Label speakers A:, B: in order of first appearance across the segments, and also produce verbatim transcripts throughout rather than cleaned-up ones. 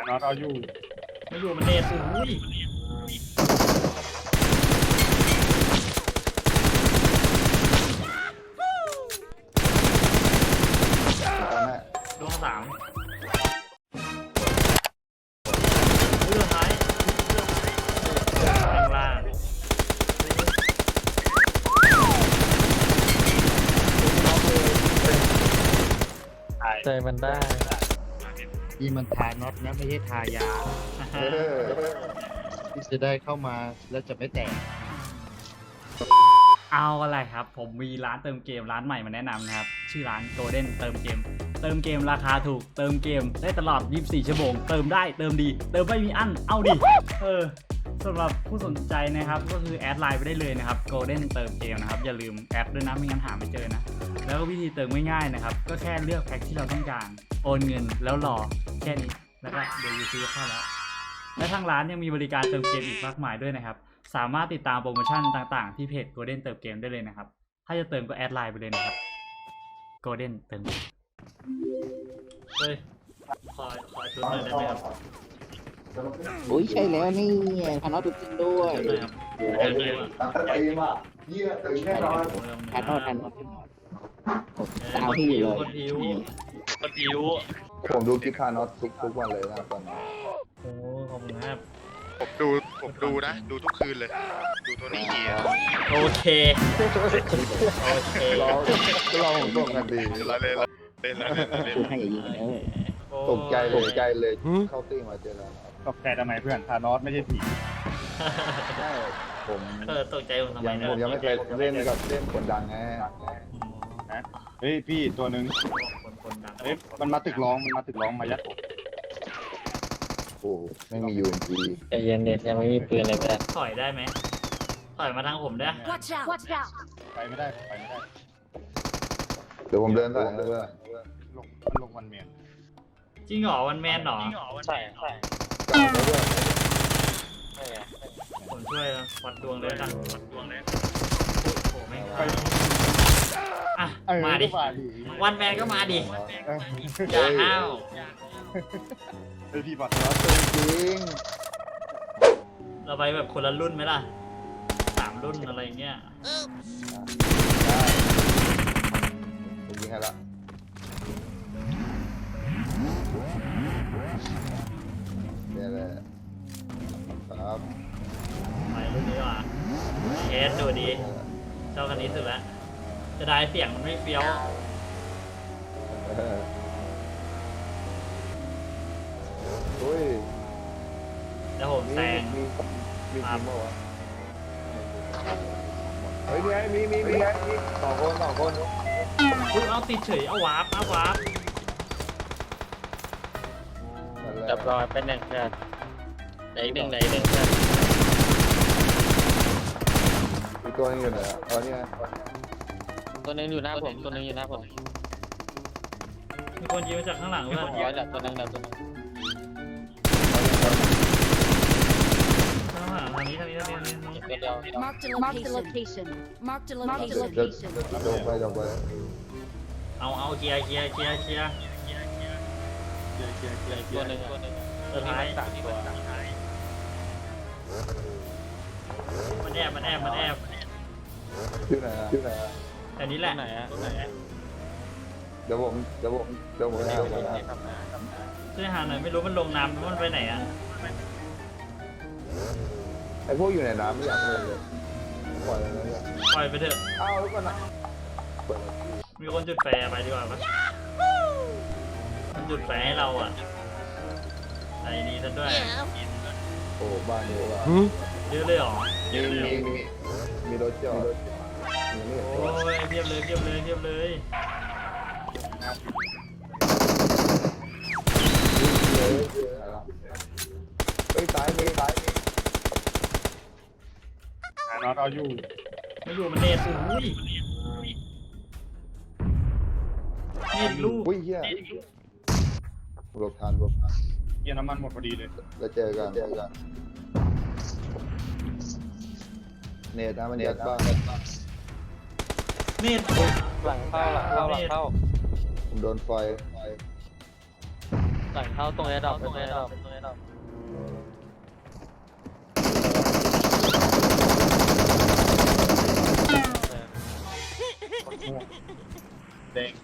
A: น็อตเอาอยู่
B: ไม่อยู่มันเนตอุ้ยดวงสามเรื่องท้ายข้างล่าง
C: ใจมันได้
D: นี่มันทาน็อตนะไม่ใช่ทายาที่จะได้เข้ามาแล้วจะไม่แตก
B: เอาอะไรครับผมมีร้านเติมเกมร้านใหม่มาแนะนำนะครับชื่อร้าน Golden เติมเกมเติมเกมราคาถูกเติมเกมได้ตลอดยี่สิบสี่ชั่วโมงเติมได้เติมดีเติมไม่มีอั้นเอาดิเออสำหรับผู้สนใจนะครับก็คือแอดไลน์ไปได้เลยนะครับ Golden เติมเกมนะครับอย่าลืมแอดด้วยนะไม่งั้นหาไม่เจอนะแล้วก็วิธีเติมง่ายๆนะครับก็แค่เลือกแพ็คที่เราต้องการโอนเงินแล้วรอแค่นี้แล้วก็เดี๋ยวยูซีก็เข้าแล้วและทางร้านยังมีบริการเติมเกมอีกมากมายด้วยนะครับสามารถติดตามโปรโมชั่นต่างๆที่เพจ Golden เติมเกมได้เลยนะครับถ้าจะเติมก็แอดไลน์ไปเลยนะครับ Golden เติมเกมเฮ้ยขอขอชุดหน่อยได้ไหมครับ
D: โอ้ยใช่แล้วนี่ทาน็อตจริงด้วยทาน็อตทาน็อตตามที่เลย
B: คนผิวคนผิว
E: ผมดูคลิปคาร์น็อตทุกทุกวันเลยนะตอนนี้
B: โอ้ขอบคุณครับ
F: ผมดูผมดูนะดูทุกคืนเลยดูตัวนี้กี่
B: โอเคโอเค
E: เราเราผมตกกันดี
F: เล่นเล่นเล่นเล่นเล่น
D: ให้ยิงเออ
E: ตกใจตกใจเลยเข้าตี้มาเจอแล้ว
A: ตกใจทำไมเพื่อนทานอสไม่ใช่ผี
E: ใช่ผม
B: เออตกใจผมทำไม
E: ยังผมยังไม่เคยเล่นกับเล่นคนดังไง
A: นะเฮ้ยพี่ตัวนึงเฮ้ยมันมาตึกร้องมันมาตึกร้องมายัดผม
E: โอ้ไม่มียูเอ็นจี
C: ใจเย็นเด็ดยังไม่มีปืนเลยแต่
B: ถอยได้ไหมถอยมาทางผมได้
A: ไปไม่ได้ไปไม่ได้
E: เดี๋ยวผมเดินไปเรื่อย
A: ลงมันลงวันเมียน
B: จริงเหรอวันแมนเหรอ
C: ใช่ใช่
B: ผมช่วยวัดดวงเลยกันวัดดวงเลยโอ้ไม่อ่ะมาดิวันแมนก็มาดิอย่าห้าว
A: ไอพี่บัตร
E: น็อตจริง
B: เราไปแบบคนละรุ่นไหมล่ะสามรุ่นอะไรเงี้ย
E: ได้ผมยิงให้ละเนี่ยแหละครับ
B: ไปรุ่นนี้ว่ะเอสดูดีเจ้าคันนี้สุดแล้วจะได้เสียงมันไม่เฟี้ยว
E: โอ้ย
B: แล้วผมแซง
E: มีมีทีมป่าวะเฮ้ยมีไงมีมีมีไงสองคนสองคน
B: คุณเอาติดเฉยเอาวาร์ปเอาวาร์ป
C: จับรอยเป็นหนึ่งเพื่อนไหนหนึ่งไหนหนึ่งเพื่อน
E: อีกตัวนึงอยู่ไหนอ่ะอ๋อนี่ไง
C: ตัวนึงอยู่หน้าผมตัวนึงอยู่หน้าผม
B: มีคนยิงมาจากข้างหลังเพื่อน
C: ร้อยดับตัวนึงดับตัวนึง
B: ข้างหลังทางนี้ทางนี้ทางนี้ทางนี้
C: เดียว
G: Mark the location Mark the location
E: จบไปจบไป
B: เอาเอาเคลียร์เคลียร์เคลียร์เคลียร์
C: ตัวนึงตัวนึง
B: สุดท้ายมันแอบมันแอบมันแอบ
E: ชื่อไหนอ่ะชื่อไหนอ่ะ
B: แต่นี้แหละ
C: ไหนอ่ะไหน
E: เดี๋ยวผมเดี๋ยวผมเดี๋ยวผมให้ผมนะ
B: ช่วยหาหน่อยไม่รู้มันลงน้ำมันไปไหนอ่ะ
E: ไอพวกอยู่ในน้ำไม่อยากเลยปล่อยเลยนะ
B: ปล่อยไปเถอะ
E: อ้าวแล้วก็นะ
B: มีคนจุดแฟร์ไปดีกว่าปะมันจุดแฟร์ให้เราอ่ะไอ้นี้ซะด้วย
E: โอ้บ้านเยอะว่ะ
B: เยอะเลยหรอ
E: มีมีมีมีรถจอด
B: โอ้ยเทียบเลยเทียบเลยเทียบเลย
E: เฮ้ยตายมีตายมี
A: ทานอสเอาอยู่
B: ไม่อยู่มันเนตอุ้ยเนตลูก
E: อุ้ยเฮียรถทานรถทาน
A: เยี่ยน้ำมันหมดพอดีเลย
E: แล้วเจอกันเจอกันเนตนะมันเนตบ้าง
B: เนต
C: หลังเข้าหลังเข้าหลังเข้า
E: ผมโดนไฟ
C: หลังเข้าตรงแอร์ดรอปตรงแอร์ดรอปตรงแอร์ดรอป
A: เด้ง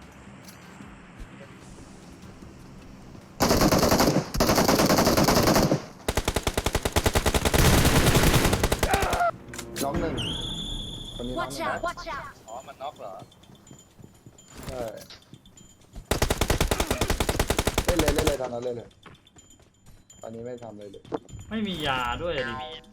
E: น้องหนึ่งคนนี้น้องห
G: Watch
E: นึ่ง
G: out! Watch out!
A: อ๋อมันน็อกเหรอ
E: ใช่เล่นเลยเล่นเลยทำนั้นเล่นเลยตอนนี้ไม่ทำเลยเลย
B: ไม่มียาด้วยดิ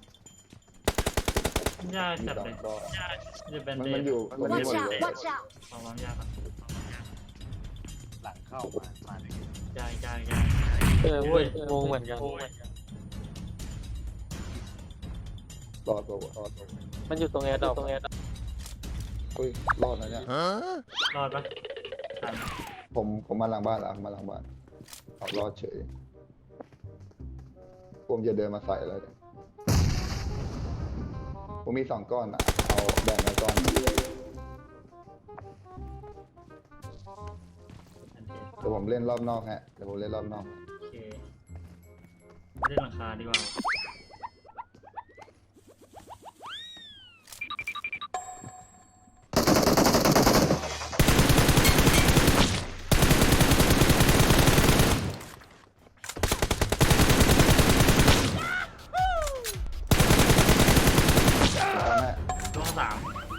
B: ยา
E: มี
B: จัด
E: สอ
B: เล
E: ง
B: ย
E: ก็
B: จะเป็น
E: มัน
B: เด
E: มันอยู่มันมีหม
G: Watch
E: ดเลย
G: out! Watch out!
B: ของร้อนยาก่อน
A: หลังเข้ามามาเลย
B: ยายายา
C: เออเว้ยงงเหมือนกัน
E: รอดตัวรอดตัว
C: มันอยู่ตรงแอร์ดรอปตรงแอร์ดรอป
E: อุ้ยรอดนะเนี่ย
B: รอดปะทัน
E: ผมผมมาหลังบ้านแล้วมาหลังบ้านเอารอดเฉยผมจะเดินมาใส่แล้วเนี่ยผมมีสองก้อนอ่ะเอาแบ่งมาก้อนเดี๋ยวผมเล่นรอบนอกฮะเดี๋ยวผมเล่นรอบนอก
B: โอเคเล่นหลังคาดีกว่า
E: แล้วฮะ
B: ช่วงสาม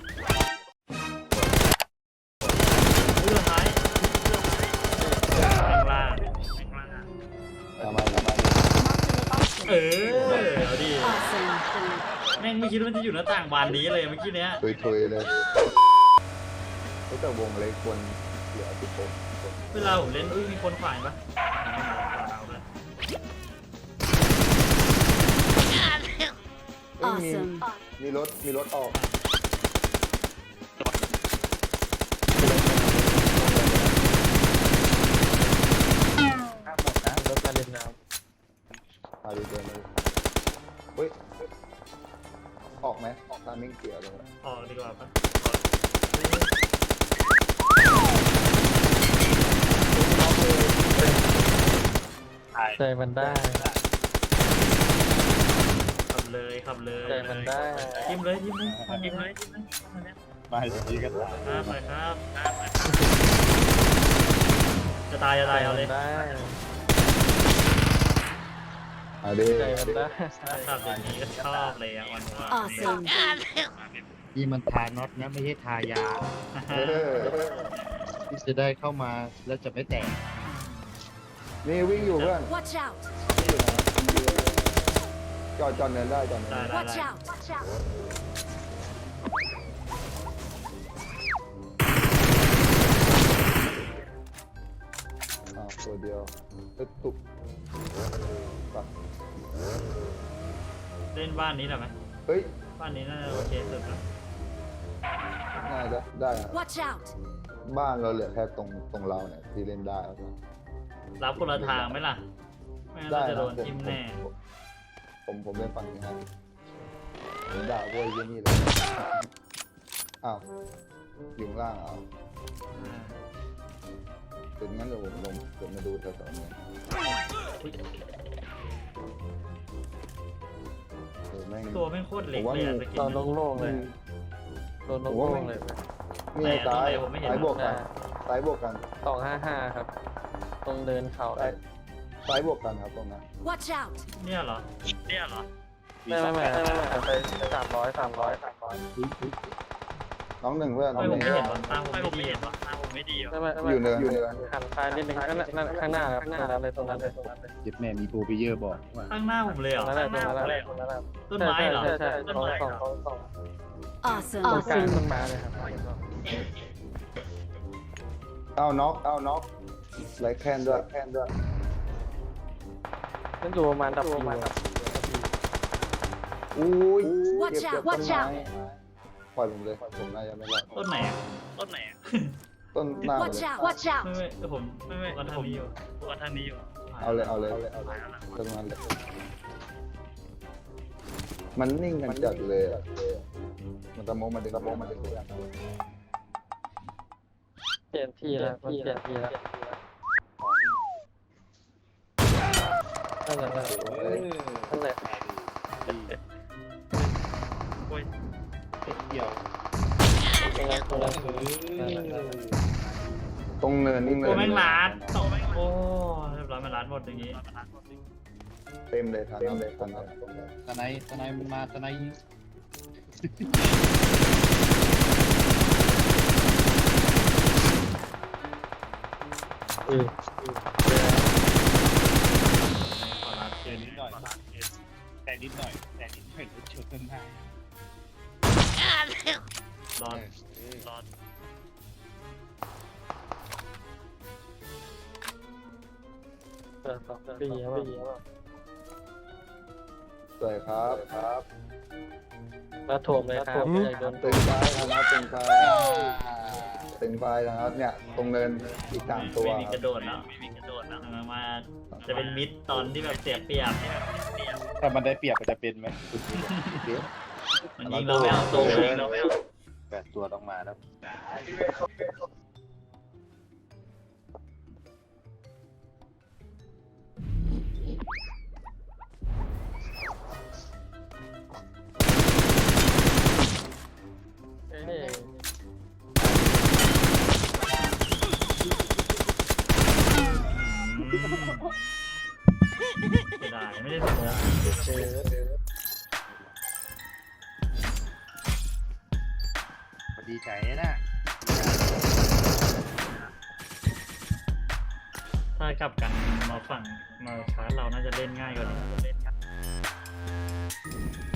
B: เรื่องท้ายแรงล่าง
E: เอามาเอามา
B: เออเอาดิ
G: Awesome!
B: แม่งไม่คิดว่ามันจะอยู่หน้าต่างบานนี้เลยเมื่อกี้เนี้ย
E: ทุยๆเลยแต่วงเล็กคนเหลือสิบหกคน
B: เวลาผมเล่นอุ้ยมีคนขวางปะเอาเลย
E: เอ้ยมี
G: Awesome!
E: มีรถมีรถออก
A: ข้ามหมดนะ
C: รถมาเล่นน้
E: มาดูเดินเลยเฮ้ยออกไหมออกตามมิ่งเสียเลย
B: ออกดีกว่าปะ
C: ำใจมันได้
B: ขับเลยขับเลย
C: ใจมันได้
B: จิ้มเลยจิ้มเลยจิ้มเลยจิ้มเลย
A: มาอย่างนี้ก็ตาย
B: ครับไปครับจะตายจะตายเอาเลย
C: ได้
E: เอาดิ
C: ใจมันได้
B: ขับอย่างนี้ก็ชอบเลยอ่ะวันว่า
G: Awesome!
A: นี่มันทาน็อตนะไม่ใช่ทายา
E: เออ
A: ที่จะได้เข้ามาแล้วจะไม่แตก
E: นี่วิ่งอยู่เพื่อน
G: Watch out!
E: จอดจอดเนินได้จอดเนิน
B: ได้
E: ได้
B: ได้
G: Watch
B: ได้
G: out! Watch out!
E: อ้าวตัวเดียวเอ้ยตุกปัก
B: เล่นบ้านนี้ได้ไหม
E: เฮ้ย
B: บ้านนี้น่าจะโอเคสุดแล้ว
E: น่าจะได้อะ
G: Watch out!
E: บ้านเราเหลือแค่ตรงตรงเราเนี่ยที่เล่นได้แล้วก็
B: รับคนละทางไหมล่ะไม่งั้นเราจะโดนทิมแน่
E: ผมผมเล่นฝั่งนี้ให้ผมด่าพวกไอ้เหี้ยนี่เลยอ้าวอยู่ข้างล่างเอา
B: อ่า
E: ถึงงั้นเดี๋ยวผมลงเดี๋ยวมาดูแถวๆนี้เออแม่ง
B: ตัวไม่งโคตรเล็กเลยอะสกิน
C: ตอน
B: นั้น
C: โล่งๆเลยโดนโล่งๆเลย
E: นี่ไงซ้าย
B: ผมไม่เห็น
E: ซ้ายบวกกันซ้ายบวกกัน
C: สองห้าห้าครับ ตรงเดินเขา
E: ซ้ายซ้ายบวกกันครับตรงนั้น
G: Watch out!
B: เนี่ยเหรอเนี่ยเหรอ
C: ไม่ไม่ไม่ไม่ไม่ไปสามร้อยสามร้อยสามร้อย
E: น้องหนึ่งเพื่อนน้
B: ไม่
E: อง
B: ผ
E: ห
B: ม
E: นึ่ง
B: ไม่เห็นวะตาผมไม่ดีวะตาผมไม่ดีวะ
C: ไม่ไม่ไม่
E: อยู่เนินอยู่เนิน
C: หันซ้ายนิดนึงข้างหน้าข้างหน้าครับตรงนั้นเลยตรงนั้นเลยตรงนั้นเลย
A: จิตแม่มีโปรเพเยอร์บอกว่า
B: ข้างหน้าผมเลยเห
C: ต
B: ร
C: ร
B: อง
C: นั้นแห
B: ข้า
C: ละ
B: งห
C: ตรง
B: น้า
C: นั้น
B: ผม
C: แห
B: เลย
C: ละตรงนั้นแหละ
B: ต้นไม้เหรอ
C: ใช่ใช่
B: ต้น
C: สอง
B: ไม้
C: สอง
B: เหรอ
C: สองสอง
G: Awesome!
C: ตรงกลาง
G: Awesome!
C: ต้นไม้เลยครับ
E: เอาน็อกเอาน็อกไรแคนด้วยแคนด้วย
C: นั่นอยู่ประมาณดับประมาณดับ
E: อุ้ย
G: Watch
E: เก็บเก็บ
G: out!
E: ต้น
G: Watch
E: ไม้
G: out!
E: ปล่อยผมเลยผมน่าจะไม่รอด
B: ต้นไหนอะต้นไหนอะ
E: ต้นหน้าเลย
G: Watch out! Watch
B: ไม่
G: out!
B: ไม่ผมไม่ไม่วันทางนี้อยู่วันทางนี้อยู่
E: เอาเลยเอาเลยต้นนั้นเลยมันนิ่งกันจัดเลยอะมันตะโมมันดึงตะโมมันดึง
C: เปลี่ยนที่แล้วมันเปลี่ยนที่แล้วนั่นแหละนั่นแหละ
F: โอ้ย
A: เกี่ยว
C: ตรงนั้นตรงนั้น
E: ตรงเนินนี่เนิ
B: โอ้
E: น
B: แม่งล้านโตแม่งโอ้เรียบร้อยมาล้านหมดอย่างงี้
E: เต็มเลยทันเลยทันเลย
A: ตะไนตะไนมันมาตะไนยิง
C: เออ
B: ขอรับ
A: แต่นิดหน่อยแต่นิดหน่อยแต่นิดหน่อยรถชนข้างหน้าร
B: อด
F: รอด
C: เออสองปีแล้วปีแล้ว
E: สวยครับครับ
C: มาถ่วงเลยครับใหญ่โดน
E: ตึงไฟนะครับตึงไฟตึงไฟนะครับเนี่ยตรงเนินอีกสามตัว
B: ไม่มีกระโดดแล้วไม่มีกระโดดแล้วมาจะเป็นมิดตอนที่แบบเสียเปรียบ
A: ถ้ามันได้เปรียบมันจะเป็นไหม
B: มันยิงเราไม่เอาตัวยิงเราไม่เอา
A: แปดตัวต้องมาแล้ว
C: เอ้ย
B: เสียดายไม่ได้สมอง
C: เจอ
A: ดีใจนะ
B: ถ้ากลับกันมาฝั่งมาชาร์จเราน่าจะเล่นง่ายกว่านี้